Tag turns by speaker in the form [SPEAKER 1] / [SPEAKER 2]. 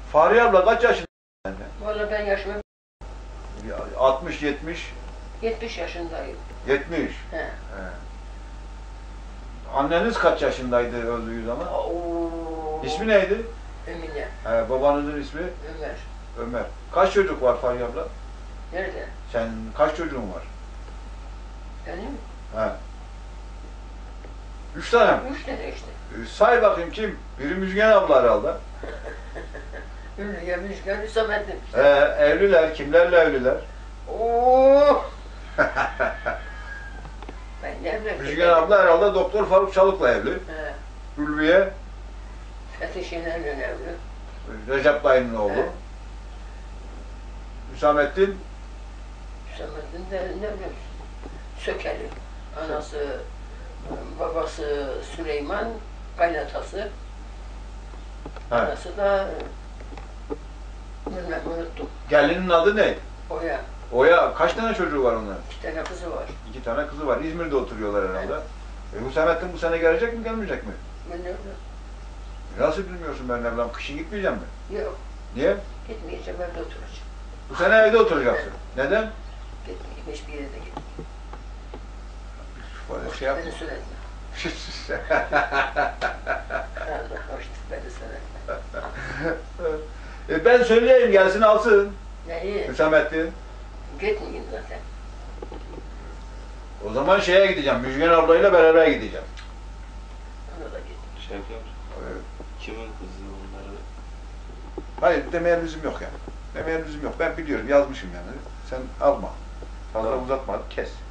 [SPEAKER 1] Fahriye abla kaç yaşında?
[SPEAKER 2] Valla ben yaşıma
[SPEAKER 1] 60, 70.
[SPEAKER 2] 70 yaşındayım.
[SPEAKER 1] 70.
[SPEAKER 2] He.
[SPEAKER 1] He. Anneniz kaç yaşındaydı öldüğü zaman?
[SPEAKER 2] Oo.
[SPEAKER 1] İsmi neydi?
[SPEAKER 2] Emine.
[SPEAKER 1] Babanızın ismi?
[SPEAKER 2] Ömer.
[SPEAKER 1] Ömer. Kaç çocuk var Fahriye abla?
[SPEAKER 2] Nerede?
[SPEAKER 1] Sen kaç çocuğun var?
[SPEAKER 2] Benim?
[SPEAKER 1] He. 3 tane mi?
[SPEAKER 2] 3 tane işte.
[SPEAKER 1] Say bakayım kim? Biri Müjgan abla herhalde.
[SPEAKER 2] Ünlüye Müjgan Hüsamettin.
[SPEAKER 1] Evliler. Kimlerle evliler?
[SPEAKER 2] Oo. Ben ne evlendim?
[SPEAKER 1] Müjgan abla herhalde Doktor Faruk Çalık'la evli.
[SPEAKER 2] He.
[SPEAKER 1] Ülviye,
[SPEAKER 2] Fethi Şener'le evli.
[SPEAKER 1] Recep dayının oğlu.
[SPEAKER 2] He.
[SPEAKER 1] Hüsamettin,
[SPEAKER 2] Hüsamettin de ne bileyim Sökeli. Anası, babası Süleyman, kaynatası.
[SPEAKER 1] he.
[SPEAKER 2] Anası da bilmem unuttum.
[SPEAKER 1] Gelinin adı ne?
[SPEAKER 2] Oya.
[SPEAKER 1] Oya, kaç tane çocuğu var onların?
[SPEAKER 2] 2 tane kızı var.
[SPEAKER 1] 2 tane kızı var. İzmir'de oturuyorlar herhalde. Hüsamettin bu sene gelecek mi, gelmeyecek mi?
[SPEAKER 2] Ben de
[SPEAKER 1] Nasıl bilmiyorsun ben evlam? Kışın gitmeyeceğim mi?
[SPEAKER 2] yok.
[SPEAKER 1] Niye?
[SPEAKER 2] Gitmeyeceğim, evde oturacağım.
[SPEAKER 1] Bu sene evde oturacaksın. Neden?
[SPEAKER 2] Gitmeyeyim, hiçbir yere de gitmeyeyim.
[SPEAKER 1] Böyle şey yapma.
[SPEAKER 2] Beni söyletme. Allah hoştur, beni söyletme.
[SPEAKER 1] Ben söyleyeyim gelsin alsın.
[SPEAKER 2] Neyi?
[SPEAKER 1] Hüsamettin.
[SPEAKER 2] Gitmeyeyim zaten.
[SPEAKER 1] O zaman şeye gideceğim. Müjgan ablayla beraber gideceğim.
[SPEAKER 2] Ona da git.
[SPEAKER 3] Şey yapıyor musun?
[SPEAKER 1] Evet.
[SPEAKER 3] Kimin kızı onları?
[SPEAKER 1] Hayır demeye lüzum yok yani. Demeye lüzum yok. Ben biliyorum yazmışım yani. Sen alma. Fazla
[SPEAKER 3] Tamam.
[SPEAKER 1] uzatma. Kes.